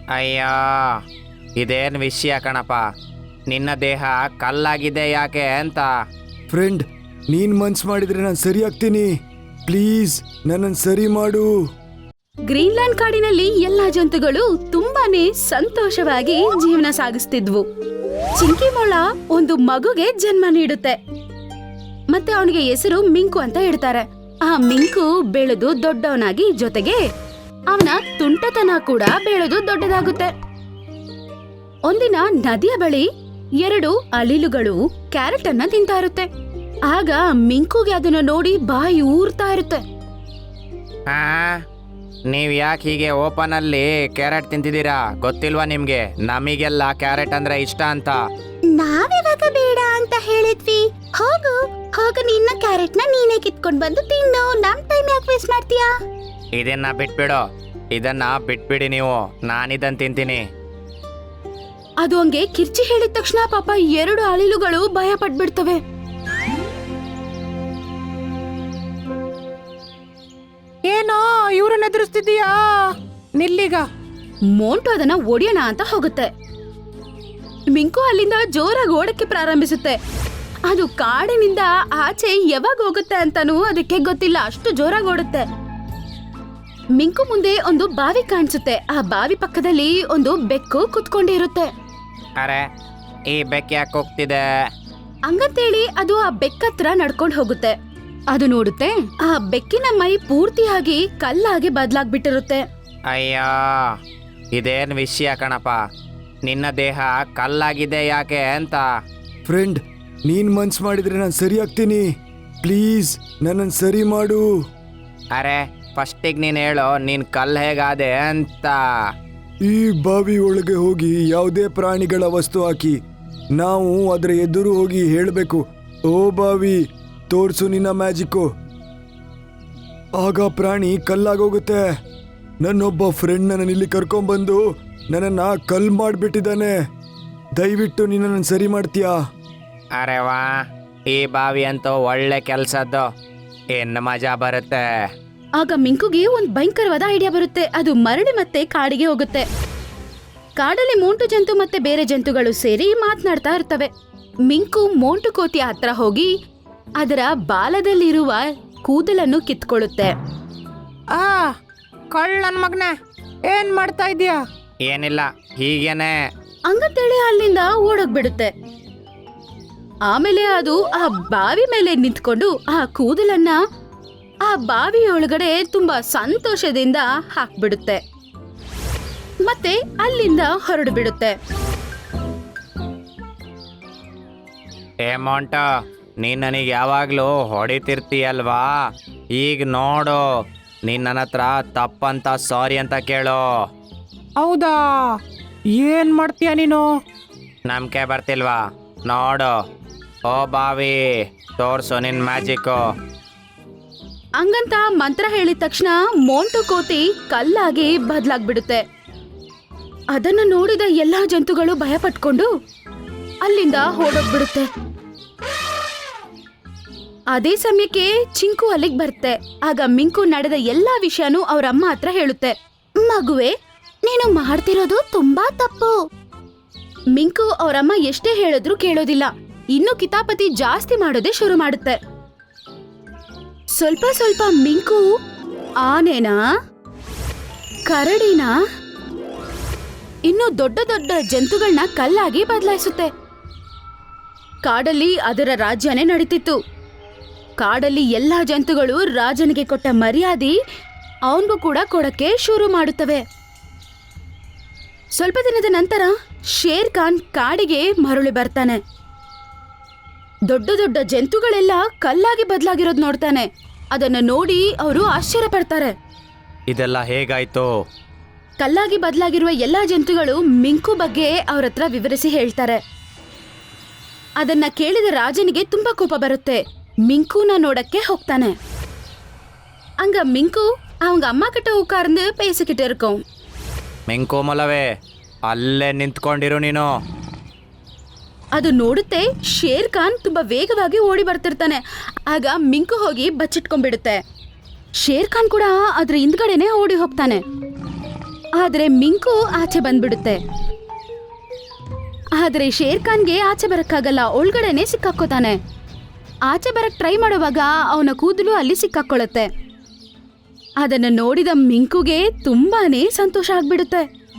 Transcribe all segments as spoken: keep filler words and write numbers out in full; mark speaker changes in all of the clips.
Speaker 1: ಅಯ್ಯೋ ಇದೇನು ವಿಷಯ ಕಣಪ್ಪ, ನಿನ್ನ ದೇಹ ಕಲ್ಲಾಗಿದೆ ಯಾಕೆ ಅಂತ.
Speaker 2: ಫ್ರೆಂಡ್, ನೀನ್ ಮನ್ಸ್ ಮಾಡಿದ್ರೆ ನಾನು ಸರಿ ಆಗ್ತೀನಿ. ಪ್ಲೀಸ್ ನನ್ನನ್ನು ಸರಿ ಮಾಡು.
Speaker 3: ಗ್ರೀನ್ಲ್ಯಾಂಡ್ ಕಾಡಿನಲ್ಲಿ ಎಲ್ಲಾ ಜಂತುಗಳು ತುಂಬಾನೇ ಸಂತೋಷವಾಗಿ ಜೀವನ ಸಾಗಿಸ್ತಿದ್ವು. ಚಿಂಕಿ ಮೊಳ ಒಂದು ಮಗುಗೆ ಜನ್ಮ ನೀಡುತ್ತೆ. ಮತ್ತೆ ಅವನಿಗೆ ಹೆಸರು ಮಿಂಕು ಅಂತ ಇಡ್ತಾರೆ. ಆ ಮಿಂಕು ಬೆಳೆದು ದೊಡ್ಡವನಾಗಿ, ಜೊತೆಗೆ ಅವನ ತುಂಟತನ ಕೂಡ ಬೆಳೆದು ದೊಡ್ಡದಾಗುತ್ತೆ. ಒಂದಿನ ನದಿಯ ಬಳಿ ಎರಡು ಅಳಿಲುಗಳು ಕ್ಯಾರೆಟ್ ಅನ್ನ ತಿಂತಾ ಇರುತ್ತೆ. ಆಗ ಮಿಂಕುಗೆ ಅದನ್ನ ನೋಡಿ ಬಾಯಿ ಊರ್ತಾ ಇರುತ್ತೆ.
Speaker 1: ಹಾ, ನೀವ್ ಯಾಕೆ ಹೀಗೆ ಓಪನ್ ಅಲ್ಲಿ ಕ್ಯಾರೆಟ್ ತಿಂತಿದ್ದೀರಾ? ಗೊತ್ತಿಲ್ವಾ ನಿಮ್ಗೆ ನಮಿಗೆಲ್ಲ ಕ್ಯಾರೆಟ್ ಅಂದ್ರೆ ಇಷ್ಟ ಅಂತ?
Speaker 3: ನಾವಿವಾಗ ಬೇಡ ಅಂತ ಹೇಳಿದ್ವಿ. ಹೋಗು ಹೋಗು, ನಿನ್ನ ಕ್ಯಾರೆಟ್ ನ ನೀನೇ ಕಿತ್ಕೊಂಡ್ ಬಂದು ತಿನ್ನು. ನಮ್ ಟೈಮ್ ಯಾಕೆ ವೇಸ್ಟ್ ಮಾಡ್ತೀಯಾ?
Speaker 1: ಇದನ್ನ ಬಿಟ್ಬಿಡು, ಇದನ್ನ ಬಿಟ್ಬಿಡಿ ನೀವು, ನಾನಿದನ್ ತಿಂತೀನಿ.
Speaker 3: ಅದು ಹಂಗೆ ಕಿರ್ಚಿ ಹೇಳಿದ ತಕ್ಷಣ ಪಾಪ ಎರಡು ಅಳಿಲುಗಳು ಭಯ ಪಟ್ಬಿಡ್ತವೆ.
Speaker 4: ಏನೋ ಇವ್ರನ್ನ ಎದುರಿಸ್ತಿದೀಯಾ? ನಿಲ್ಲಿಗ.
Speaker 3: ಮೋಂಟು ಅದನ್ನ ಒಡೆಯೋಣ ಅಂತ ಹೋಗುತ್ತೆ. ಮಿಂಕು ಅಲ್ಲಿಂದ ಜೋರಾಗಿ ಓಡಕ್ಕೆ ಪ್ರಾರಂಭಿಸುತ್ತೆ. ಅದು ಕಾಡಿನಿಂದ ಆಚೆ ಯಾವಾಗ ಹೋಗುತ್ತೆ ಅಂತಾನೂ ಅದಕ್ಕೆ ಗೊತ್ತಿಲ್ಲ, ಅಷ್ಟು ಜೋರಾಗಿ ಓಡುತ್ತೆ. ಮಿಂಕು ಮುಂದೆ ಒಂದು ಬಾವಿ ಕಾಣಿಸುತ್ತೆ. ಆ ಬಾವಿ ಪಕ್ಕದಲ್ಲಿ ಒಂದು ಬೆಕ್ಕು ಕುತ್ಕೊಂಡಿರುತ್ತೆ.
Speaker 1: ಅರೆ, ಈ ಬೆಕ್ಕ ಯಾಕೆ ಹೋಗ್ತಿದೆ?
Speaker 3: ಹಂಗಂತೇಳಿ ಅದು ಆ ಬೆಕ್ಕತ್ರ ನಡ್ಕೊಂಡು ಹೋಗುತ್ತೆ. ಅದು ನೋಡುತ್ತೆ, ಆ ಬೆಕ್ಕಿನ ಮೈ ಪೂರ್ತಿಯಾಗಿ ಕಲ್ಲಾಗಿ ಬದಲಾಗ್ಬಿಟ್ಟಿರುತ್ತೆ.
Speaker 1: ಅಯ್ಯೋ ಇದೇನು ವಿಷಯ ಕಣಪ್ಪ, ನಿನ್ನ ದೇಹ ಕಲ್ಲಾಗಿದೆ ಯಾಕೆ ಅಂತ.
Speaker 2: ಫ್ರೆಂಡ್, ನೀನ್ ಮನ್ಸ್ ಮಾಡಿದ್ರೆ ನಾನು ಸರಿ ಆಗ್ತೀನಿ. ಪ್ಲೀಸ್ ನನ್ನನ್ನು ಸರಿ ಮಾಡು.
Speaker 1: ಅರೆ, ಫಸ್ಟಿಗೆ ನೀನು ಹೇಳು, ನೀನು ಕಲ್ಲು ಹೇಗಾದೆ ಅಂತ.
Speaker 2: ಈ ಬಾವಿ ಒಳಗೆ ಹೋಗಿ ಯಾವುದೇ ಪ್ರಾಣಿಗಳ ವಸ್ತು ಹಾಕಿ ನಾವು ಅದರ ಎದುರು ಹೋಗಿ ಹೇಳಬೇಕು, ಓ ಬಾವಿ ತೋರ್ಸು ನಿನ್ನ ಮ್ಯಾಜಿಕ್ಕು. ಆಗ ಪ್ರಾಣಿ ಕಲ್ಲಾಗೋಗುತ್ತೆ. ನನ್ನೊಬ್ಬ ಫ್ರೆಂಡ್ ನನ್ನನ್ನು ಇಲ್ಲಿ ಕರ್ಕೊಂಡ್ಬಂದು ನನ್ನನ್ನು ಕಲ್ ಮಾಡಿಬಿಟ್ಟಿದ್ದಾನೆ. ದಯವಿಟ್ಟು ನಿನ್ನನ್ನು ಸರಿ ಮಾಡ್ತೀಯಾ?
Speaker 1: ಅರೆ ವಾ, ಈ ಬಾವಿ ಅಂತೂ ಒಳ್ಳೆ ಕೆಲಸದ್ದು, ಏನು ಮಜಾ ಬರುತ್ತೆ.
Speaker 3: ಆಗ ಮಿಂಕುಗೆ ಒಂದು ಭಯಂಕರವಾದ ಐಡಿಯಾ ಬರುತ್ತೆ. ಅದು ಮರಳಿ ಮತ್ತೆ ಕಾಡಿಗೆ ಹೋಗುತ್ತೆ. ಕಾಡಲ್ಲಿ ಮೋಂಟು ಜಂತು ಮತ್ತೆ ಬೇರೆ ಜಂತುಗಳು ಸೇರಿ ಮಾತನಾಡ್ತಾ ಇರ್ತವೆ. ಮಿಂಕು ಮೋಂಟು ಕೋತಿಯ ಹತ್ರ ಹೋಗಿ ಅದರ ಬಾಲದಲ್ಲಿರುವ ಕೂದಲನ್ನು ಕಿತ್ಕೊಳ್ಳುತ್ತೆ.
Speaker 4: ಆ ಕಳ್ಳನ್ ಮಗ್ನೆ, ಏನ್ ಮಾಡ್ತಾ ಇದೀಯಾ?
Speaker 1: ಏನಿಲ್ಲ, ಹೀಗೇನೆ.
Speaker 3: ಹಂಗಂತೇಳಿ ಅಲ್ಲಿಂದ ಓಡೋಗ್ಬಿಡುತ್ತೆ. ಆಮೇಲೆ ಅದು ಆ ಬಾವಿ ಮೇಲೆ ನಿಂತ್ಕೊಂಡು ಆ ಕೂದಲನ್ನ ಆ ಬಾವಿಯೊಳಗಡೆ ತುಂಬಾ ಸಂತೋಷದಿಂದ ಹಾಕ್ಬಿಡುತ್ತೆ. ಮತ್ತೆ ಅಲ್ಲಿಂದ ಹೊರಡು ಬಿಡುತ್ತೆ.
Speaker 1: ಏ ಮೋಂಟ, ನೀನ್ ನನಗೆ ಯಾವಾಗ್ಲೂ ಹೊಡಿತಿರ್ತೀಯಲ್ವಾ? ಈಗ ನೋಡು, ನೀನ್ ನನ್ನ ಹತ್ರ ತಪ್ಪಂತ ಸಾರಿ ಅಂತ ಕೇಳು.
Speaker 4: ಹೌದಾ? ಏನ್ ಮಾಡ್ತೀಯ ನೀನು?
Speaker 1: ನಂಬಿಕೆ ಬರ್ತಿಲ್ವಾ? ನೋಡು, ಓ ಬಾವಿ ತೋರ್ಸು ನಿನ್ ಮ್ಯಾಜಿಕ್ಕು.
Speaker 3: ಹಂಗಂತ ಮಂತ್ರ ಹೇಳಿದ ತಕ್ಷಣ ಮೋಂಟು ಕೋತಿ ಕಲ್ಲಾಗಿ ಬದಲಾಗ್ಬಿಡುತ್ತೆ. ಅದನ್ನ ನೋಡಿದ ಎಲ್ಲಾ ಜಂತುಗಳು ಭಯ ಪಟ್ಕೊಂಡು ಅಲ್ಲಿಂದ ಓಡೋಗ್ಬಿಡುತ್ತೆ. ಅದೇ ಸಮಯಕ್ಕೆ ಚಿಂಕು ಅಲ್ಲಿಗೆ ಬರುತ್ತೆ. ಆಗ ಮಿಂಕು ನಡೆದ ಎಲ್ಲಾ ವಿಷಯನೂ ಅವ್ರ ಅಮ್ಮ ಹತ್ರ ಹೇಳುತ್ತೆ. ಮಗುವೆ, ನೀನು ಮಾಡ್ತಿರೋದು ತುಂಬಾ ತಪ್ಪು. ಮಿಂಕು ಅವರಮ್ಮ ಎಷ್ಟೇ ಹೇಳಿದ್ರು ಕೇಳೋದಿಲ್ಲ. ಇನ್ನು ಕಿತಾಪತಿ ಜಾಸ್ತಿ ಮಾಡೋದೇ ಶುರು ಮಾಡುತ್ತೆ. ಸ್ವಲ್ಪ ಸ್ವಲ್ಪ ಮಿಂಕು ಆನೆನಾ, ಕರಡಿನಾ, ಇನ್ನು ದೊಡ್ಡ ದೊಡ್ಡ ಜಂತುಗಳನ್ನ ಕಲ್ಲಾಗಿ ಬದಲಾಯಿಸುತ್ತೆ. ಕಾಡಲ್ಲಿ ಅದರ ರಾಜ್ಯನೇ ನಡೀತಿತ್ತು. ಕಾಡಲ್ಲಿ ಎಲ್ಲಾ ಜಂತುಗಳು ರಾಜನಿಗೆ ಕೊಟ್ಟ ಮರ್ಯಾದೆ ಅವನಿಗೂ ಕೂಡ ಕೊಡಕ್ಕೆ ಶುರು ಮಾಡುತ್ತವೆ. ಸ್ವಲ್ಪ ದಿನದ ನಂತರ ಶೇರ್ ಖಾನ್ ಕಾಡಿಗೆ ಮರಳಿ ಬರ್ತಾನೆ. ದೊಡ್ಡ ದೊಡ್ಡ ಜಂತುಗಳೆಲ್ಲ ಕಲ್ಲಾಗಿ ಬದಲಾಗಿರೋದು ನೋಡ್ತಾನೆ. ಅದನ್ನು ನೋಡಿ ಅವರು ಆಶ್ಚರ್ಯ ಪಡ್ತಾರೆ.
Speaker 1: ಇದೆಲ್ಲ ಹೇಗಾಯ್ತು?
Speaker 3: ಕಲ್ಲಾಗಿ ಬದಲಾಗಿರುವ ಎಲ್ಲಾ ಜಂತುಗಳು ಮಿಂಕು ಬಗ್ಗೆ ಅವ್ರ ಹತ್ರ ವಿವರಿಸಿ ಹೇಳ್ತಾರೆ. ಅದನ್ನ ಕೇಳಿದ ರಾಜನಿಗೆ ತುಂಬಾ ಕೋಪ ಬರುತ್ತೆ. ಮಿಂಕುನ ನೋಡಕ್ಕೆ ಹೋಗ್ತಾನೆ. அங்க மிங்கு அவங்க அம்மா கிட்ட உட்கார்ந்து பேசிக்கிட்டு இருக்கோம்.
Speaker 1: ಮಿಂಕು ಮೊಲವೇ, ಅಲ್ಲೇ ನಿಂತ್ಕೊಂಡಿರು ನೀನು.
Speaker 3: ಅದು ನೋಡುತ್ತೆ ಶೇರ್ ಖಾನ್ ತುಂಬಾ ವೇಗವಾಗಿ ಓಡಿ ಬರ್ತಿರ್ತಾನೆ. ಆಗ ಮಿಂಕು ಹೋಗಿ ಬಚ್ಚಿಟ್ಕೊಂಡ್ಬಿಡುತ್ತೆ. ಶೇರ್ ಖಾನ್ ಕೂಡ ಅದ್ರ ಹಿಂದ್ಗಡೆನೆ ಓಡಿ ಹೋಗ್ತಾನೆ. ಆದ್ರೆ ಮಿಂಕು ಆಚೆ ಬಂದ್ಬಿಡುತ್ತೆ. ಆದ್ರೆ ಶೇರ್ ಖಾನ್ಗೆ ಆಚೆ ಬರಕ್ಕಾಗಲ್ಲ, ಒಳಗಡೆನೆ ಸಿಕ್ಕಾಕೋತಾನೆ. ಆಚೆ ಬರಕ್ ಟ್ರೈ ಮಾಡುವಾಗ ಅವನ ಕೂದಲು ಅಲ್ಲಿ ಸಿಕ್ಕಾಕೊಳ್ಳುತ್ತೆ. ಅದನ್ನ ನೋಡಿದ ಮಿಂಕುಗೆ ತುಂಬಾನೇ ಸಂತೋಷ ಆಗ್ಬಿಡುತ್ತೆ.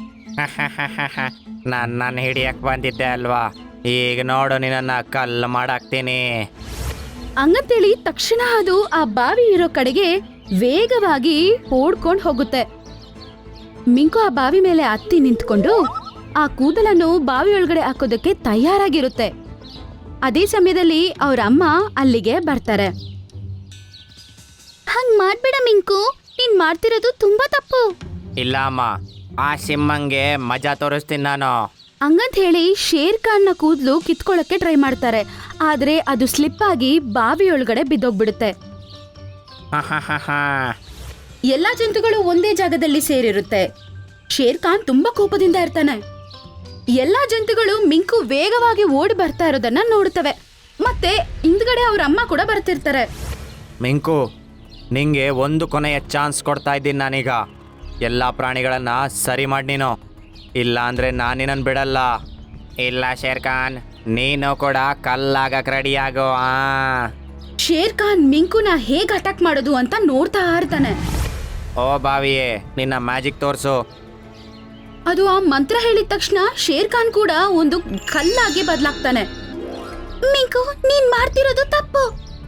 Speaker 1: ನಾನು ನನ್ನ ಹಿಡಿಯಕ್ಕೆ ಬಂದಿದ್ದೆ ಅಲ್ವಾ, ಈಗ ನೋಡು ನಿನ್ನನ್ನು ಕಲ್ಲು ಮಾಡಾಕ್ತೀನಿ.
Speaker 3: ಹಂಗಂತೇಳಿ ತಕ್ಷಣ ಅದು ಆ ಬಾವಿ ಇರೋ ಕಡೆಗೆ ವೇಗವಾಗಿ ಓಡ್ಕೊಂಡು ಹೋಗುತ್ತೆ. ಮಿಂಕು ಆ ಬಾವಿ ಮೇಲೆ ಹತ್ತಿ ನಿಂತ್ಕೊಂಡು ಆ ಕೂದಲನ್ನು ಬಾವಿ ಒಳಗಡೆ ಹಾಕೋದಕ್ಕೆ ತಯಾರಾಗಿರುತ್ತೆ. ಅದೇ ಸಮಯದಲ್ಲಿ ಅವ್ರ ಅಮ್ಮ ಅಲ್ಲಿಗೆ ಬರ್ತಾರೆ. ಹಂಗ್ ಮಾಡ್ಬೇಡ ಮಿಂಕು, ನೀನ್ ಮಾಡ್ತಿರೋದು ತುಂಬಾ ತಪ್ಪು.
Speaker 1: ಇಲ್ಲ ಅಮ್ಮ, ಆ ಸಿಂಹಂಗೆ ಮಜಾ ತೋರಿಸ್ತೀನಿ ನಾನು.
Speaker 3: ಹಂಗಂತ ಹೇಳಿ ಶೇರ್ ಖಾನ್ನ ಕೂದಲು ಕಿತ್ಕೊಳ್ಳಕ್ಕೆ ಟ್ರೈ ಮಾಡ್ತಾರೆ. ಆದ್ರೆ ಅದು ಸ್ಲಿಪ್ ಆಗಿ ಬಾವಿ ಒಳಗಡೆ ಬಿದ್ದೋಗ್ಬಿಡುತ್ತೆ. ಎಲ್ಲಾ ಜಂತುಗಳು ಒಂದೇ ಜಾಗದಲ್ಲಿ ಸೇರಿರುತ್ತೆ. ಶೇರ್ ಖಾನ್ ತುಂಬಾ ಕೋಪದಿಂದ ಇರ್ತಾನೆ. ಎಲ್ಲಾ ಜಂತುಗಳು ಮಿಂಕು ವೇಗವಾಗಿ ಓಡಿ ಬರ್ತಾ ಇರೋದನ್ನ ನೋಡುತ್ತವೆ. ಮತ್ತೆ ಹಿಂದ್ಗಡೆ ಅವ್ರ ಅಮ್ಮ ಕೂಡ ಬರ್ತಿರ್ತಾರೆ.
Speaker 1: ಮಿಂಕು, ನಿಂಗೆ ಒಂದು ಕೊನೆಯ ಚಾನ್ಸ್ ಕೊಡ್ತಾ ಇದ್ದೀನಿ ನಾನೀಗ. ಎಲ್ಲ ಪ್ರಾಣಿಗಳನ್ನ ಸರಿ ಮಾಡಿ ನೀನು, ಇಲ್ಲ ಅಂದ್ರೆ ನಾನು ನಿನ್ನನ್ನು ಬಿಡಲ್ಲ. ಇಲ್ಲ ಶೇರ್ ಖಾನ್, ನೀನು ಕೂಡ ಕಲ್ಲಾಗಕ್ಕೆ ರೆಡಿಯಾಗೋ. ಆ
Speaker 3: ಶೇರ್ ಖಾನ್ ಮಿಂಕುನ ಹೇಗ್ ಅಟ್ಯಾಕ್ ಮಾಡೋದು ಅಂತ ನೋಡ್ತಾ ಇರ್ತಾನೆ.
Speaker 1: ಓ ಬಾವಿಯೇ, ನಿನ್ನ ಮ್ಯಾಜಿಕ್ ತೋರಿಸು.
Speaker 3: ಅದು ಆ ಮಂತ್ರ ಹೇಳಿದ ತಕ್ಷಣ ಶೇರ್ ಖಾನ್ ಕೂಡ ಒಂದು ಕಲ್ಲಾಗಿ ಬದಲಾಗ್ತಾನೆ. ಮಿಂಕು, ನೀನ್ ಮಾಡ್ತಿರೋದು ತಪ್ಪು.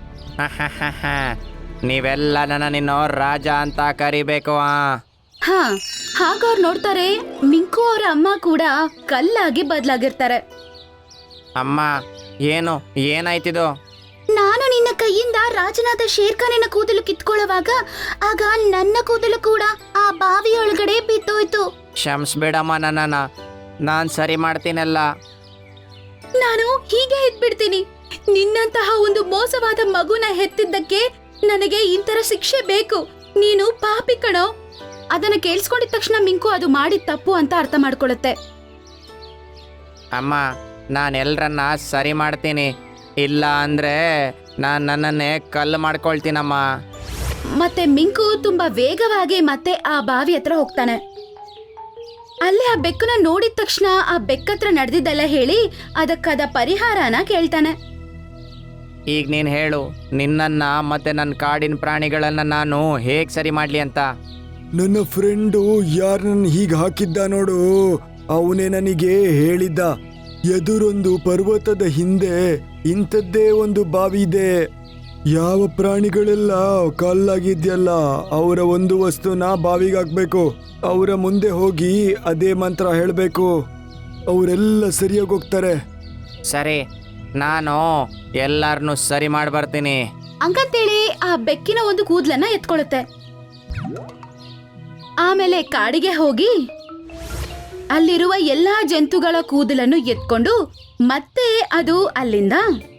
Speaker 1: ನೀವೆಲ್ಲ ನನ್ನ ನಿನ್ನ ರಾಜ ಅಂತ ಕರಿಬೇಕು. ಆ
Speaker 3: ಹಾ, ಹಾಗ ಅವ್ರು ನೋಡ್ತಾರೆ ಮಿಂಕು ಅವರ ಅಮ್ಮ ಕೂಡ ಕಲ್ಲಾಗಿ ಬದಲಾಗಿರ್ತಾರೆ.
Speaker 1: ಅಮ್ಮ, ಏನು ಏನಾಯ್ತಿದು?
Speaker 3: ನಾನು ನಿನ್ನ ಕೈಯಿಂದ ರಾಜನಾದ ಶೇರ್ ಖಾನಿನ ಕೂದಲು ಕಿತ್ಕೊಳ್ಳುವಾಗ ಆಗ ನನ್ನ ಕೂದಲು ಕೂಡ ಆ ಬಾವಿಯೊಳಗಡೆ ಬಿದ್ದೋಯ್ತು.
Speaker 1: ಕ್ಷಮಿಸ್ಬೇಡಮ್ಮ ನನ್ನನ್ನ, ನಾನು ಸರಿ ಮಾಡ್ತೀನಲ್ಲ.
Speaker 3: ನಾನು ಹೀಗೆ ಇದ್ಬಿಡ್ತೀನಿ. ನಿನ್ನಂತಹ ಒಂದು ಮೋಸವಾದ ಮಗುನ ಹೆತ್ತಿದ್ದಕ್ಕೆ ನನಗೆ ಇಂತರ ಶಿಕ್ಷೆ ಬೇಕು. ನೀನು ಪಾಪಿ ಕಣೋ. ಅದನ್ನ ಕೇಳಿಸ್ಕೊಂಡಿದ ತಕ್ಷಣ ಮಿಂಕು ಅದು ಮಾಡಿದ ತಪ್ಪು ಅಂತ ಅರ್ಥ ಮಾಡ್ಕೊಳ್ಳುತ್ತೆ.
Speaker 1: ಅಮ್ಮ, ನಾನು ಎಲ್ಲರನ್ನ ಸರಿ ಮಾಡ್ತೀನಿ, ಇಲ್ಲ ಅಂದ್ರೆ ನಾನು ನನ್ನನ್ನೇ ಕಲ್ಲು ಮಾಡ್ಕೊಳ್ತೀನಮ್ಮ.
Speaker 3: ಮತ್ತೆ ಮಿಂಕು ತುಂಬಾ ವೇಗವಾಗಿ ಮತ್ತೆ ಆ ಬಾವಿ ಹತ್ರ ಹೋಗ್ತಾನೆ. ಅಲ್ಲಿ ಆ ಬೆಕ್ಕನ್ನ ನೋಡಿದ ತಕ್ಷಣ ಆ ಬೆಕ್ಕತ್ರ ನಡೆದಿದ್ದೆಲ್ಲ ಹೇಳಿ ಅದಕ್ಕಾದ ಪರಿಹಾರನ ಕೇಳ್ತಾನೆ.
Speaker 1: ಈಗ ನೀನು ಹೇಳು, ನಿನ್ನನ್ನ ಮತ್ತೆ ನನ್ನ ಕಾಡಿನ ಪ್ರಾಣಿಗಳನ್ನ ನಾನು ಹೇಗೆ ಸರಿ ಮಾಡಲಿ ಅಂತ.
Speaker 2: ನನ್ನ ಫ್ರೆಂಡು ಯಾರನ್ನ ಹೀಗೆ ಹಾಕಿದ್ದ ನೋಡು, ಅವನೇ ನನಗೆ ಹೇಳಿದ್ದ. ಎದುರೊಂದು ಪರ್ವತದ ಹಿಂದೆ ಇಂಥದ್ದೇ ಒಂದು ಬಾವಿ ಇದೆ. ಯಾವ ಪ್ರಾಣಿಗಳೆಲ್ಲ ಕಲ್ಲಾಗಿದ್ಯಲ್ಲ ಅವರ ಒಂದು ವಸ್ತುನ ಬಾವಿಗೆ ಹಾಕ್ಬೇಕು. ಅವರ ಮುಂದೆ ಹೋಗಿ ಅದೇ ಮಂತ್ರ ಹೇಳಬೇಕು, ಅವರೆಲ್ಲ ಸರಿಯಾಗಿ ಹೋಗ್ತಾರೆ.
Speaker 1: ಸರಿ, ನಾನು ಎಲ್ಲರನ್ನೂ ಸರಿ ಮಾಡಿ ಬರ್ತೀನಿ.
Speaker 3: ಹಂಗಂತೇಳಿ ಆ ಬೆಕ್ಕಿನ ಒಂದು ಕೂದಲನ್ನ ಎತ್ಕೊಳ್ಳುತ್ತೆ. ಆಮೇಲೆ ಕಾಡಿಗೆ ಹೋಗಿ ಅಲ್ಲಿರುವ ಎಲ್ಲಾ ಜಂತುಗಳ ಕೂದಲನ್ನು ಎತ್ಕೊಂಡು ಮತ್ತೆ ಅದು ಅಲ್ಲಿಂದ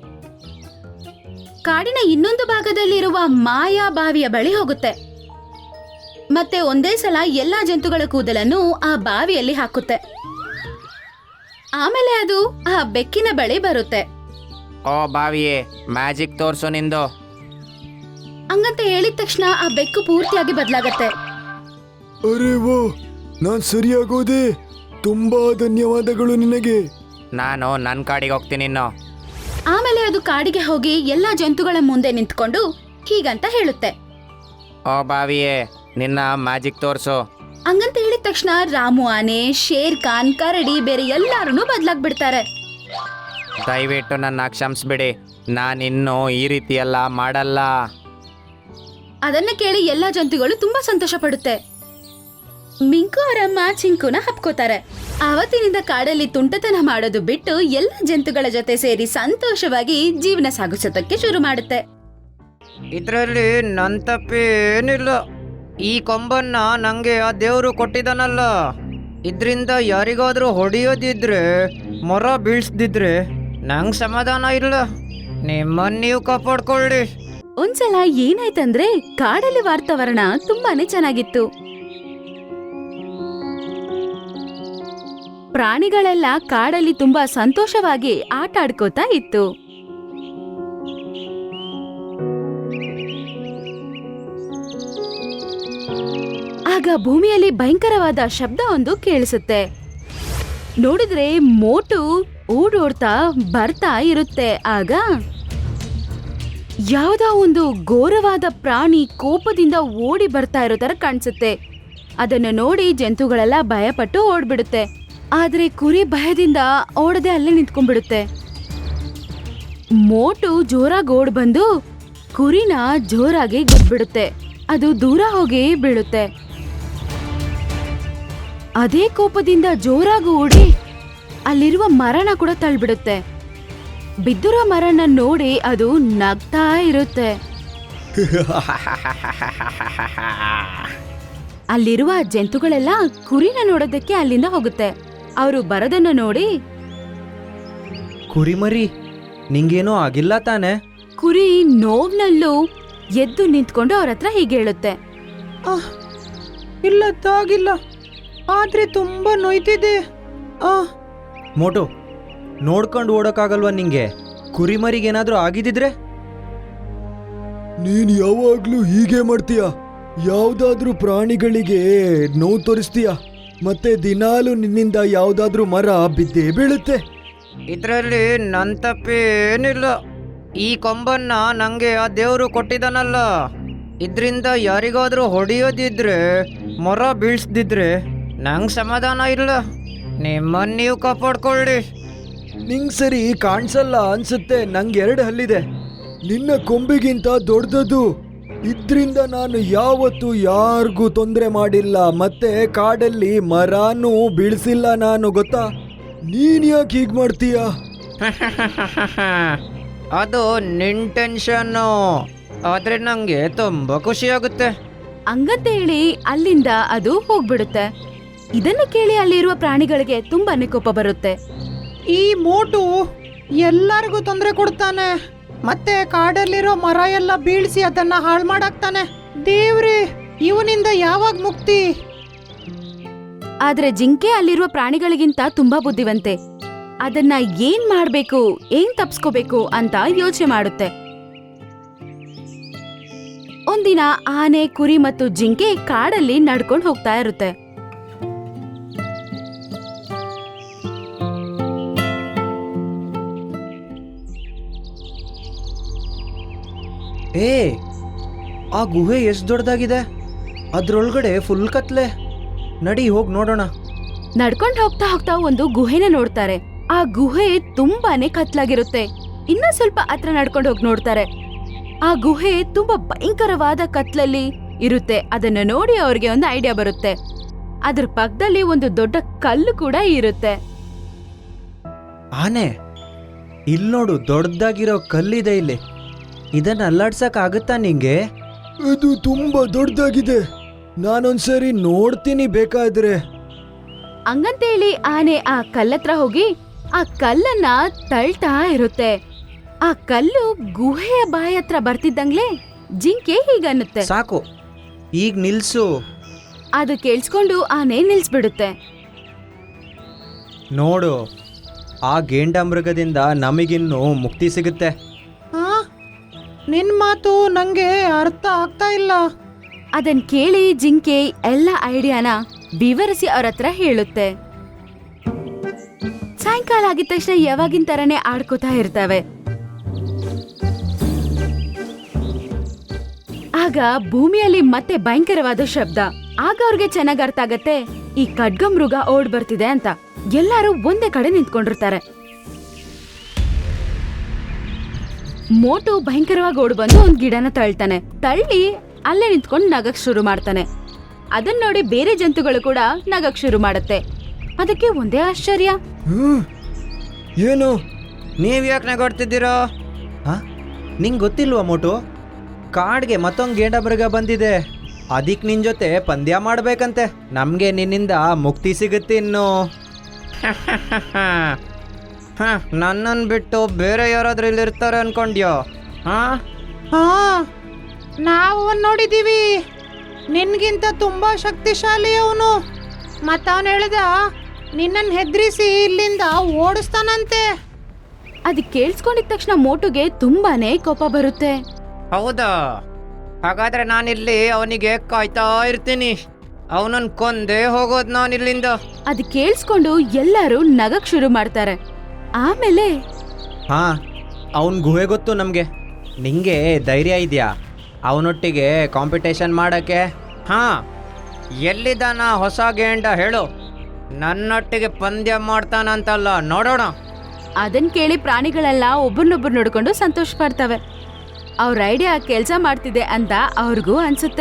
Speaker 3: ಕಾಡಿನ ಇನ್ನೊಂದು ಭಾಗದಲ್ಲಿರುವ ಮಾಯಾ ಬಾವಿಯ ಬಳಿ ಹೋಗುತ್ತೆ. ಮತ್ತೆ ಒಂದೇ ಸಲ ಎಲ್ಲಾ ಜಂತುಗಳ ಕೂದಲನ್ನು ಆ ಬಾವಿಯಲ್ಲಿ ಹಾಕುತ್ತೆ. ಆಮೇಲೆ ಅದು ಆ ಬೆಕ್ಕಿನ ಬಳಿ ಬರುತ್ತೆ.
Speaker 1: ಓ ಬಾವಿಯೇ, ಮ್ಯಾಜಿಕ್ ತೋರ್ಸು ನಿಂದು.
Speaker 3: ಹಂಗಂತ ಹೇಳಿದ ತಕ್ಷಣ ಆ ಬೆಕ್ಕು ಪೂರ್ತಿಯಾಗಿ ಬದಲಾಗತ್ತೆ.
Speaker 2: ಅರೆ ಓ, ನಾನ್ ಸರಿಯಾಗೋದೆ. ತುಂಬಾ ಧನ್ಯವಾದಗಳು ನಿನಗೆ.
Speaker 1: ನಾನು ನನ್ನ ಕಾಡಿಗೆ ಹೋಗ್ತೀನಿ ಇನ್ನು.
Speaker 3: ಆಮೇಲೆ ಅದು ಕಾಡಿಗೆ ಹೋಗಿ ಎಲ್ಲಾ ಜಂತುಗಳ ಮುಂದೆ ನಿಂತ್ಕೊಂಡು ಹೀಗಂತ ಹೇಳುತ್ತೆ.
Speaker 1: ಓ ಬಾವಿಯೇ, ನಿನ್ನ ಮ್ಯಾಜಿಕ್ ತೋರ್ಸು.
Speaker 3: ಹಂಗಂತ ಹೇಳಿದ ತಕ್ಷಣ ರಾಮು ಆನೆ, ಶೇರ್ ಖಾನ್, ಕರಡಿ ಬೇರೆ ಎಲ್ಲಾರು ಬದಲಾಗ್ಬಿಡ್ತಾರೆ.
Speaker 1: ದಯವಿಟ್ಟು ನನ್ನ ಕ್ಷಮಿಸ್ಬಿಡಿ, ನಾನಿನ್ನು ಈ ರೀತಿ ಎಲ್ಲ ಮಾಡಲ್ಲ.
Speaker 3: ಅದನ್ನ ಕೇಳಿ ಎಲ್ಲಾ ಜಂತುಗಳು ತುಂಬಾ ಸಂತೋಷ ಪಡುತ್ತೆ. ಮಿಂಕು ಅವರಮ್ಮ ಚಿಂಕುನ ಹಪ್ಕೋತಾರೆ. ಆವತ್ತಿನಿಂದ ಕಾಡಲ್ಲಿ ತುಂಟತನ ಮಾಡೋದು ಬಿಟ್ಟು ಎಲ್ಲ ಜಂತುಗಳ ಜೊತೆ ಸೇರಿ ಸಂತೋಷವಾಗಿ ಜೀವನ ಸಾಗಿಸೋದಕ್ಕೆ ಶುರು ಮಾಡುತ್ತೆ.
Speaker 5: ಇದರಲ್ಲಿ ನನ್ನ ತಪ್ಪೇನಿಲ್ಲ. ಈ ಕೊಂಬನ್ನ ನಂಗೆ ಆ ದೇವರು ಕೊಟ್ಟಿದ್ದಾನಲ್ಲ, ಇದರಿಂದ ಯಾರಿಗಾದ್ರೂ ಹೊಡೆಯೋದಿದ್ರೆ, ಮೊರ ಬೀಳ್ಸ್ದಿದ್ರೆ ನಂಗೆ ಸಮಾಧಾನ ಇಲ್ಲ. ನಿಮ್ಮನ್ನ ನೀವು ಕಾಪಾಡ್ಕೊಳ್ಳಿ.
Speaker 3: ಒಂದ್ಸಲ ಏನಾಯ್ತಂದ್ರೆ ಕಾಡಲ್ಲಿ ವಾತಾವರಣ ತುಂಬಾನೇ ಚೆನ್ನಾಗಿತ್ತು. ಪ್ರಾಣಿಗಳೆಲ್ಲ ಕಾಡಲ್ಲಿ ತುಂಬಾ ಸಂತೋಷವಾಗಿ ಆಟ ಆಡ್ಕೋತಾ ಇತ್ತು. ಆ ಆಗ ಭೂಮಿಯಲ್ಲಿ ಭಯಂಕರವಾದ ಶಬ್ದ ಒಂದು ಕೇಳಿಸುತ್ತೆ. ನೋಡಿದ್ರೆ ಮೋಟು ಓಡೋಡ್ತಾ ಬರ್ತಾ ಇರುತ್ತೆ. ಆಗ ಯಾವ್ದೋ ಒಂದು ಘೋರವಾದ ಪ್ರಾಣಿ ಕೋಪದಿಂದ ಓಡಿ ಬರ್ತಾ ಇರೋ ತರ ಕಾಣಿಸುತ್ತೆ. ಅದನ್ನು ನೋಡಿ ಜಂತುಗಳೆಲ್ಲ ಭಯಪಟ್ಟು ಓಡ್ಬಿಡುತ್ತೆ. ಆದ್ರೆ ಕುರಿ ಭಯದಿಂದ ಓಡದೆ ಅಲ್ಲೇ ನಿಂತ್ಕೊಂಡ್ಬಿಡುತ್ತೆ. ಮೋಟು ಜೋರಾಗಿ ಓಡ್ ಬಂದು ಕುರಿನ ಜೋರಾಗಿ ಗುದ್ಬಿಡುತ್ತೆ. ಅದು ದೂರ ಹೋಗಿ ಬೀಳುತ್ತೆ. ಅದೇ ಕೋಪದಿಂದ ಜೋರಾಗಿ ಓಡಿ ಅಲ್ಲಿರುವ ಮರನ ಕೂಡ ತಳ್ಳಿಬಿಡುತ್ತೆ. ಬಿದ್ದಿರೋ ಮರನ ನೋಡಿ ಅದು ನಗ್ತಾ ಇರುತ್ತೆ. ಅಲ್ಲಿರುವ ಜಂತುಗಳೆಲ್ಲ ಕುರಿನ ನೋಡೋದಕ್ಕೆ ಅಲ್ಲಿಂದ ಹೋಗುತ್ತೆ. ಅವರು ಬರೋದನ್ನ ನೋಡಿ,
Speaker 5: ಕುರಿಮರಿ ನಿಂಗೇನೋ ಆಗಿಲ್ಲ ತಾನೆ?
Speaker 3: ಕುರಿ ನೋವ್ನಲ್ಲೂ ಎದ್ದು ನಿಂತ್ಕೊಂಡು ಅವ್ರ ಹತ್ರ ಹೀಗೆ ಹೇಳುತ್ತೆ.
Speaker 4: ಇಲ್ಲ ತಾಗಿಲ್ಲ, ಆದ್ರೆ ತುಂಬಾ ನೋಯ್ತಿದೆ. ಆ
Speaker 5: ಮೋಟು, ನೋಡ್ಕೊಂಡು ಓಡೋಕ್ಕಾಗಲ್ವಾ ನಿಂಗೆ? ಕುರಿಮರಿಗೇನಾದ್ರೂ ಆಗಿದ್ದಿದ್ರೆ?
Speaker 2: ನೀನ್ ಯಾವಾಗ್ಲೂ ಹೀಗೆ ಮಾಡ್ತೀಯ. ಯಾವ್ದಾದ್ರೂ ಪ್ರಾಣಿಗಳಿಗೆ ನೋವು ತೋರಿಸ್ತೀಯ, ಮತ್ತೆ ದಿನಾಲು ನಿನ್ನಿಂದ ಯಾವ್ದಾದ್ರೂ ಮರ ಬಿದ್ದೇ ಬೀಳುತ್ತೆ.
Speaker 5: ಇದರಲ್ಲಿ ನನ್ನ ತಪ್ಪೇನಿಲ್ಲ. ಈ ಕೊಂಬನ್ನ ನಂಗೆ ಆ ದೇವರು ಕೊಟ್ಟಿದ್ದಾನಲ್ಲ, ಇದರಿಂದ ಯಾರಿಗಾದ್ರೂ ಹೊಡೆಯೋದಿದ್ರೆ, ಮರ ಬೀಳ್ಸ್ದಿದ್ರೆ ನಂಗೆ ಸಮಾಧಾನ ಇಲ್ಲ. ನಿಮ್ಮನ್ನ ನೀವು ಕಾಪಾಡ್ಕೊಳ್ಳಿ.
Speaker 2: ನಿಂಗ್ ಸರಿ ಕಾಣಿಸಲ್ಲ ಅನ್ಸುತ್ತೆ. ನಂಗೆ ಎರಡು ಹಲ್ಲಿದೆ, ನಿನ್ನ ಕೊಂಬಿಗಿಂತ ದೊಡ್ಡದು. ಇದ್ರಿಂದ ನಾನು ಯಾವತ್ತೂ ಯಾರಿಗೂ ತೊಂದರೆ ಮಾಡಿಲ್ಲ, ಮತ್ತೆ ಕಾಡಲ್ಲಿ ಮರಾನೂ ಬೀಳ್ಸಿಲ್ಲ ನಾನು, ಗೊತ್ತಾ? ನೀನ್ ಯಾಕೆ ಹೀಗ್ ಮಾಡ್ತೀಯ?
Speaker 5: ಅದು ನಿನ್ ಟೆನ್ಷನ್ನು, ಆದ್ರೆ ನಂಗೆ ತುಂಬಾ ಖುಷಿ ಆಗುತ್ತೆ.
Speaker 3: ಹಂಗಂತ ಹೇಳಿ ಅಲ್ಲಿಂದ ಅದು ಹೋಗ್ಬಿಡುತ್ತೆ. ಇದನ್ನ ಕೇಳಿ ಅಲ್ಲಿರುವ ಪ್ರಾಣಿಗಳಿಗೆ ತುಂಬಾನೇ ಕೋಪ ಬರುತ್ತೆ.
Speaker 4: ಈ ಮೋಟು ಎಲ್ಲರಿಗೂ ತೊಂದರೆ ಕೊಡ್ತಾನೆ, ಮತ್ತೆ ಕಾಡಲ್ಲಿರೋ ಮರ ಎಲ್ಲ ಬೀಳ್ಸಿ ಅದನ್ನ ಹಾಳು ಮಾಡಾಕ್ತಾನೆ. ದೇವ್ರೇ, ಇವನಿಂದ ಯಾವಾಗ ಮುಕ್ತಿ?
Speaker 3: ಆದ್ರೆ ಜಿಂಕೆ ಅಲ್ಲಿರುವ ಪ್ರಾಣಿಗಳಿಗಿಂತ ತುಂಬಾ ಬುದ್ಧಿವಂತೆ. ಅದನ್ನ ಏನ್ ಮಾಡ್ಬೇಕು, ಏನ್ ತಪ್ಸ್ಕೋಬೇಕು ಅಂತ ಯೋಚನೆ ಮಾಡುತ್ತೆ. ಒಂದಿನ ಆನೆ, ಕುರಿ ಮತ್ತು ಜಿಂಕೆ ಕಾಡಲ್ಲಿ ನಡ್ಕೊಂಡು ಹೋಗ್ತಾ ಇರುತ್ತೆ.
Speaker 5: ಏ, ಆ ಗುಹೆ ಎಷ್ಟು ದೊಡ್ಡದಾಗಿದೆ, ಅದ್ರೊಳಗಡೆ ಫುಲ್ ಕತ್ಲೆ. ನಡಿ ಹೋಗಿ ನೋಡೋಣ.
Speaker 3: ನಡ್ಕೊಂಡು ಹೋಗ್ತಾ ಹೋಗ್ತಾ ಒಂದು ಗುಹೆನ ನೋಡ್ತಾರೆ. ಆ ಗುಹೆ ತುಂಬಾನೇ ಕತ್ಲಾಗಿರುತ್ತೆ. ಇನ್ನ ಸ್ವಲ್ಪ ಹತ್ರ ನಡ್ಕೊಂಡು ಹೋಗಿ ನೋಡ್ತಾರೆ. ಆ ಗುಹೆ ತುಂಬಾ ಭಯಂಕರವಾದ ಕತ್ಲಲ್ಲಿ ಇರುತ್ತೆ. ಅದನ್ನ ನೋಡಿ ಅವ್ರಿಗೆ ಒಂದು ಐಡಿಯಾ ಬರುತ್ತೆ. ಅದ್ರ ಪಕ್ಕದಲ್ಲಿ ಒಂದು ದೊಡ್ಡ ಕಲ್ಲು ಕೂಡ ಇರುತ್ತೆ.
Speaker 5: ಆನೆ, ಇಲ್ಲಿ ನೋಡು, ದೊಡ್ಡದಾಗಿರೋ ಕಲ್ಲಿದೆ ಇಲ್ಲಿ. ಇದನ್ನ ಅಲ್ಲಾಡ್ಸಕ್ ಆಗುತ್ತಾ ನಿಂಗೆ?
Speaker 2: ಇದು ತುಂಬಾ ದೊಡ್ಡದಾಗಿದೆ, ನಾನೊಂದ್ಸರಿ ನೋಡ್ತೀನಿ ಬೇಕಾದ್ರೆ.
Speaker 3: ಹಂಗಂತೇಳಿ ಆನೆ ಆ ಕಲ್ಲತ್ರ ಹೋಗಿ ಆ ಕಲ್ಲನ್ನ ತಳ್ತಾ ಇರುತ್ತೆ. ಆ ಕಲ್ಲು ಗುಹೆಯ ಬಾಯಿ ಹತ್ರ ಬರ್ತಿದ್ದಂಗ್ಲೆ ಜಿಂಕೆ ಹೀಗನ್ನುತ್ತೆ,
Speaker 5: ಸಾಕು, ಈಗ ನಿಲ್ಸು.
Speaker 3: ಅದು ಕೇಳಿಸ್ಕೊಂಡು ಆನೆ ನಿಲ್ಸ್ಬಿಡುತ್ತೆ.
Speaker 5: ನೋಡು, ಆ ಗೇಂಡಾಮೃಗದಿಂದ ನಮಗಿನ್ನೂ ಮುಕ್ತಿ ಸಿಗುತ್ತೆ.
Speaker 4: ಆ ನಿನ್ ಮಾತು ನಂಗೆ ಅರ್ಥ ಆಗ್ತಾ ಇಲ್ಲ.
Speaker 3: ಅದನ್ ಕೇಳಿ ಜಿಂಕೆ ಎಲ್ಲ ಐಡಿಯಾನ ವಿವರಿಸಿ ಅವ್ರ ಹತ್ರ ಹೇಳುತ್ತೆ. ಸಾಯಂಕಾಲ ಆಗಿದ ತಕ್ಷಣ ಯಾವಾಗಿನ ತರನೇ ಆಡ್ಕೋತಾ ಇರ್ತವೆ. ಆಗ ಭೂಮಿಯಲ್ಲಿ ಮತ್ತೆ ಭಯಂಕರವಾದ ಶಬ್ದ. ಆಗ ಅವ್ರಿಗೆ ಚೆನ್ನಾಗ್ ಅರ್ಥ ಆಗತ್ತೆ ಈ ಖಡ್ಗ ಮೃಗ ಓಡ್ ಬರ್ತಿದೆ ಅಂತ. ಎಲ್ಲರೂ ಒಂದೇ ಕಡೆ ನಿಂತ್ಕೊಂಡಿರ್ತಾರೆ. ಮೋಟು ಭಯಂಕರವಾಗಿ ಓಡ್ ಬಂದು ಒಂದ್ ಗಿಡನ ತಳ್ತಾನೆ. ತಳ್ಳಿ ಅಲ್ಲೇ ನಿಂತ್ಕೊಂಡು ನಗಕ್ ಶುರು ಮಾಡ್ತಾನೆ. ಅದನ್ನ ನೋಡಿ ಬೇರೆ ಜಂತುಗಳು ಕೂಡ ನಗಕ್ ಶುರು ಮಾಡುತ್ತೆ. ಅದಕ್ಕೆ ಒಂದೇ ಆಶ್ಚರ್ಯ,
Speaker 2: ಹ್ಮ್ ಏನು?
Speaker 5: ನೀವ್ ಯಾಕೆ ನಗಾಡ್ತಿದ್ದೀರಾ? ಹಾ, ನಿಂಗೆ ಗೊತ್ತಿಲ್ವಾ ಮೋಟು? ಕಾಡ್ಗೆ ಮತ್ತೊಂದು ಗೇಂಡಾಮೃಗ ಬಂದಿದೆ. ಅದಕ್ಕೆ ನಿನ್ ಜೊತೆ ಪಂದ್ಯ ಮಾಡ್ಬೇಕಂತೆ. ನಮ್ಗೆ ನಿನ್ನಿಂದ ಮುಕ್ತಿ ಸಿಗುತ್ತೆ ಇನ್ನು. ಹ, ನನ್ನನ್ನು ಬಿಟ್ಟು ಬೇರೆ ಯಾರಾದ್ರೂ ಇಲ್ಲಿ ಇರ್ತಾರೆ ಅನ್ಕೊಂಡ್ಯೋ? ಹಾ
Speaker 4: ಹಾ, ನಾವು ಅವನ್ ನೋಡಿದೀವಿ. ನಿನ್ಗಿಂತ ತುಂಬಾ ಶಕ್ತಿಶಾಲಿ ಅವನು. ಮತ್ತವನ್ ಹೇಳ್ದ ನಿನ್ನನ್ ಹೆದ್ರಿಸಿ ಇಲ್ಲಿಂದ ಓಡಿಸ್ತಾನಂತೆ.
Speaker 3: ಅದ್ ಕೇಳಿಸ್ಕೊಂಡಿದ ತಕ್ಷಣ ಮೋಟುಗೆ ತುಂಬಾನೇ ಕೋಪ ಬರುತ್ತೆ.
Speaker 5: ಹೌದಾ? ಹಾಗಾದ್ರೆ ನಾನಿಲ್ಲಿ ಅವನಿಗೆ ಕಾಯ್ತಾ ಇರ್ತೀನಿ. ಅವನನ್ನ ಕೊಂದೇ ಹೋಗೋದು ನಾನು ಇಲ್ಲಿಂದ.
Speaker 3: ಅದು ಕೇಳಿಸ್ಕೊಂಡು ಎಲ್ಲರೂ ನಗಕ್ ಶುರು ಮಾಡ್ತಾರೆ. ಆಮೇಲೆ
Speaker 5: ಹಾ, ಅವನ್ ಗುಹೆ ಗೊತ್ತು ನಮಗೆ. ನಿಂಗೆ ಧೈರ್ಯ ಇದೆಯಾ ಅವನೊಟ್ಟಿಗೆ ಕಾಂಪಿಟೇಷನ್ ಮಾಡಕ್ಕೆ? ಹಾ, ಎಲ್ಲಿದ್ದಾನ ಹೊಸ ಗೇಂಡ ಹೇಳು, ನನ್ನೊಟ್ಟಿಗೆ ಪಂದ್ಯ ಮಾಡ್ತಾನಂತಲ್ಲ, ನೋಡೋಣ.
Speaker 3: ಅದನ್ ಕೇಳಿ ಪ್ರಾಣಿಗಳೆಲ್ಲ ಒಬ್ಬರನ್ನೊಬ್ರು ನೋಡ್ಕೊಂಡು ಸಂತೋಷ ಪಡ್ತವೆ. ಅವ್ರ ಐಡಿಯಾ ಕೆಲ್ಸ ಮಾಡ್ತಿದೆ ಅಂತ ಅವ್ರಿಗೂ ಅನ್ಸುತ್ತೆ.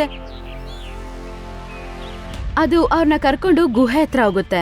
Speaker 3: ಅದು ಅವ್ರನ್ನ ಕರ್ಕೊಂಡು ಗುಹೆ ಹತ್ರ ಹೋಗುತ್ತೆ.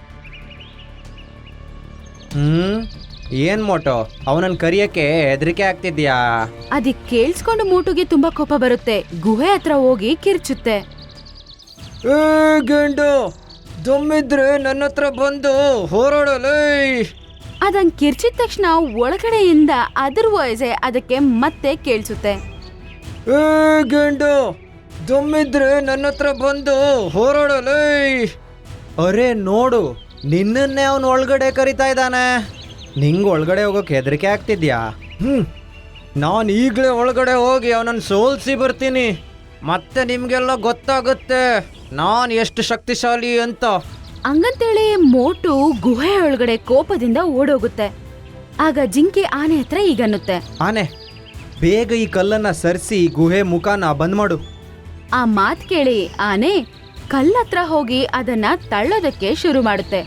Speaker 5: ಹ್ಮ್ ಏನ್ ಮೋಟೋ, ಅವನನ್ನ ಕರಿಯಕ್ಕೆ ಹೆದರಿಕೆ ಆಗ್ತಿದ್ಯಾ?
Speaker 3: ಅದಕ್ ಕೇಳಿಸ್ಕೊಂಡು ಮೋಟುಗೆ ತುಂಬಾ ಕೋಪ ಬರುತ್ತೆ. ಗುಹೆ ಹತ್ರ ಹೋಗಿ ಕಿರ್ಚುತ್ತೆ.
Speaker 5: ಏ ಗಂಡು, ದಮ್ಮಿದ್ರೆ ನನ್ನ ಹತ್ರ ಬಂದು ಹೋರಾಡಲೇ.
Speaker 3: ಅದಂಗ್ ಕಿರ್ಚಿದ ತಕ್ಷಣ ಒಳಗಡೆಯಿಂದ ಅದ್ರ ವಾಯ್ಸೆ ಅದಕ್ಕೆ ಮತ್ತೆ ಕೇಳಿಸುತ್ತೆ.
Speaker 5: ಏ ಗಂಡು, ದಮ್ಮಿದ್ರೆ ನನ್ನ ಹತ್ರ ಬಂದು ಹೋರಾಡಲೇ. ಅರೆ ನೋಡು, ನಿನ್ನನ್ನೇ ಅವನು ಒಳಗಡೆ ಕರಿತಾ ಇದ್ದಾನೆ. ನಿಂಗೆ ಒಳಗಡೆ ಹೋಗೋಕೆ ಹೆದರಿಕೆ ಆಗ್ತಿದ್ಯಾ? ಹ್ಮ್ ನಾನು ಈಗಲೇ ಒಳಗಡೆ ಹೋಗಿ ಅವನನ್ನು ಸೋಲ್ಸಿ ಬರ್ತೀನಿ. ಮತ್ತೆ ನಿಮಗೆಲ್ಲ ಗೊತ್ತಾಗುತ್ತೆ ನಾನು ಎಷ್ಟು ಶಕ್ತಿಶಾಲಿ ಅಂತ.
Speaker 3: ಹಂಗಂತೇಳಿ ಮೋಟು ಗುಹೆ ಒಳಗಡೆ ಕೋಪದಿಂದ ಓಡೋಗುತ್ತೆ. ಆಗ ಜಿಂಕೆ ಆನೆ ಹತ್ರ ಈಗನ್ನುತ್ತೆ.
Speaker 5: ಆನೆ, ಬೇಗ ಈ ಕಲ್ಲನ್ನ ಸರಿಸಿ ಗುಹೆ ಮುಖಾನ ಬಂದ್ ಮಾಡು.
Speaker 3: ಆ ಮಾತ್ ಕೇಳಿ ಆನೆ ಕಲ್ಲತ್ರ ಹೋಗಿ ಅದನ್ನ ತಳ್ಳೋದಕ್ಕೆ ಶುರು ಮಾಡುತ್ತೆ.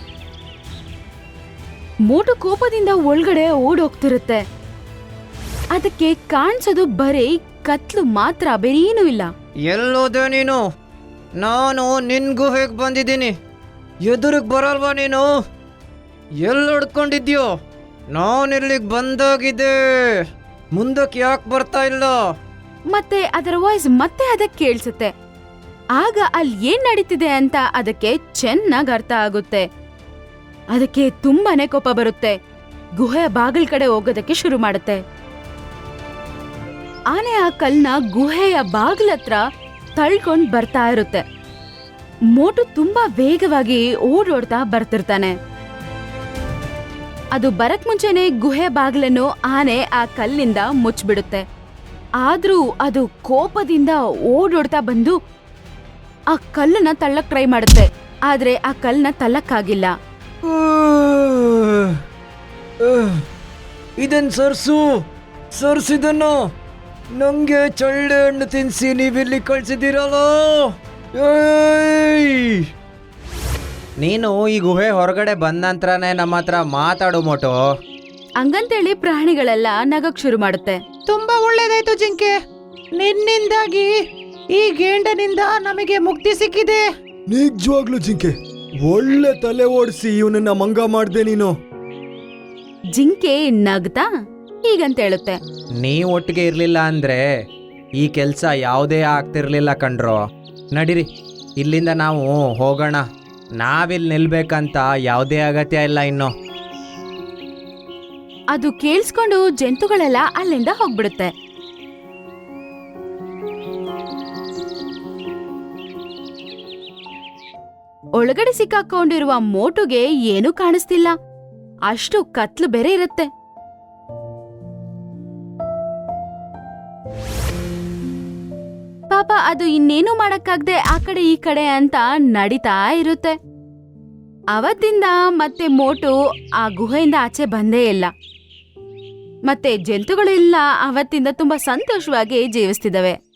Speaker 3: ಮೋಟು ಕೋಪದಿಂದ ಒಳಗಡೆ ಓಡೋಗ್ತಿರುತ್ತೆ. ಅದಕ್ಕೆ ಕಾಣಿಸೋದು ಬರೀ ಕತ್ಲು ಮಾತ್ರ, ಬೇರೇನೂ ಇಲ್ಲ.
Speaker 5: ಎಲ್ಲೋದೆ ನೀನು? ನಾನು ನಿನ್ ಗುಹೆಗೆ ಬಂದಿದ್ದೀನಿ, ಎದುರಿಗೆ ಬರಲ್ವಾ ನೀನು? ಎಲ್ಲಿ ಹೊಡ್ಕೊಂಡಿದ್ಯೋ? ನಾನು ಇಲ್ಲಿಗೆ ಬಂದಾಗಿದೆ, ಮುಂದಕ್ಕೆ ಯಾಕೆ ಬರ್ತಾ ಇಲ್ಲ?
Speaker 3: ಮತ್ತೆ ಅದರ ವಾಯ್ಸ್ ಮತ್ತೆ ಅದಕ್ಕೆ ಕೇಳಿಸುತ್ತೆ. ಆಗ ಅಲ್ಲಿ ಏನ್ ನಡೀತಿದೆ ಅಂತ ಅದಕ್ಕೆ ಚೆನ್ನಾಗ್ ಅರ್ಥ ಆಗುತ್ತೆ. ಅದಕ್ಕೆ ತುಂಬಾನೇ ಕೋಪ ಬರುತ್ತೆ. ಗುಹೆಯ ಬಾಗಿಲ್ ಕಡೆ ಹೋಗೋದಕ್ಕೆ ಶುರು ಮಾಡುತ್ತೆ. ಆನೆ ಆ ಕಲ್ನ ಗುಹೆಯ ಬಾಗಿಲತ್ರ ತಳ್ಕೊಂಡ್ ಬರ್ತಾ ಇರುತ್ತೆ. ಮೋಟು ತುಂಬಾ ವೇಗವಾಗಿ ಓಡೋಡ್ತಾ ಬರ್ತಿರ್ತಾನೆ. ಅದು ಬರಕ್ ಮುಂಚೆನೆ ಗುಹೆ ಬಾಗಿಲನ್ನು ಆನೆ ಆ ಕಲ್ಲಿಂದ ಮುಚ್ಚಿಬಿಡುತ್ತೆ. ಆದ್ರೂ ಅದು ಕೋಪದಿಂದ ಓಡೋಡ್ತಾ ಬಂದು ಆ ಕಲ್ಲನ್ನ ತಳ್ಳಕ್ ಟ್ರೈ ಮಾಡುತ್ತೆ. ಆದ್ರೆ ಆ ಕಲ್ಲನ್ನ ತಳ್ಳಕ್ಕಾಗಿಲ್ಲ.
Speaker 5: ಇದನ್ ಸರ್ಸು, ಸರ್ಸಿದನ್ನು ನಂಗೆ ಚಳ್ಳೆ ಹಣ್ಣು ತಿನ್ಸಿ ನೀವಿಲ್ಲಿ ಕಳ್ಸಿದ್ದೀರಲ್ಲ. ನೀನು ಈ ಗುಹೆ ಹೊರಗಡೆ ಬಂದ ನಂತರನೇ ನಮ್ಮ ಹತ್ರ ಮಾತಾಡು ಮೋಟೋ.
Speaker 3: ಹಂಗಂತೇಳಿ ಪ್ರಾಣಿಗಳೆಲ್ಲ ನಗಕ್ ಶುರು ಮಾಡುತ್ತೆ.
Speaker 4: ತುಂಬಾ ಒಳ್ಳೇದಾಯ್ತು ಜಿಂಕೆ, ನಿನ್ನಿಂದಾಗಿ ಈ ಗೇಂಡನಿಂದ ನಮಗೆ ಮುಕ್ತಿ ಸಿಕ್ಕಿದೆ.
Speaker 2: ನಿಜವಾಗ್ಲು ಜಿಂಕೆ, ಒಳ್ಳೆ ತಲೆ ಓಡಿಸಿ ಇವನನ್ನ ಮಂಗ ಮಾಡ್ದೆ ನೀನು.
Speaker 3: ಜಿಂಕೆ ನಗ್ತಾ ಹೀಗಂತ ಹೇಳುತ್ತೆ.
Speaker 5: ನೀವ್ ಒಟ್ಟಿಗೆ ಇರ್ಲಿಲ್ಲ ಅಂದ್ರೆ ಈ ಕೆಲ್ಸ ಯಾವುದೇ ಆಗ್ತಿರ್ಲಿಲ್ಲ ಕಣ್ರೋ. ನಡೀರಿ, ಇಲ್ಲಿಂದ ನಾವು ಹೋಗೋಣ. ನಾವಿಲ್ಲಿ ನಿಲ್ಬೇಕಂತ ಯಾವುದೇ ಅಗತ್ಯ ಇಲ್ಲ ಇನ್ನು.
Speaker 3: ಅದು ಕೇಳಿಸ್ಕೊಂಡು ಜಂತುಗಳೆಲ್ಲ ಅಲ್ಲಿಂದ ಹೋಗ್ಬಿಡುತ್ತೆ. ಒಳಗಡೆ ಸಿಕ್ಕಾಕೊಂಡಿರುವ ಮೋಟುಗೆ ಏನೂ ಕಾಣಿಸ್ತಿಲ್ಲ. ಅಷ್ಟು ಕತ್ಲು ಬೇರೆ ಇರುತ್ತೆ. ಪಾಪ ಅದು ಇನ್ನೇನು ಮಾಡಕ್ಕಾಗ್ದೆ ಆ ಕಡೆ ಈ ಕಡೆ ಅಂತ ನಡೀತಾ ಇರುತ್ತೆ. ಅವತ್ತಿಂದ ಮತ್ತೆ ಮೋಟು ಆ ಗುಹೆಯಿಂದ ಆಚೆ ಬಂದೇ ಇಲ್ಲ. ಮತ್ತೆ ಜಂತುಗಳೆಲ್ಲ ಅವತ್ತಿಂದ ತುಂಬಾ ಸಂತೋಷವಾಗಿ ಜೀವಿಸ್ತಿದವೆ.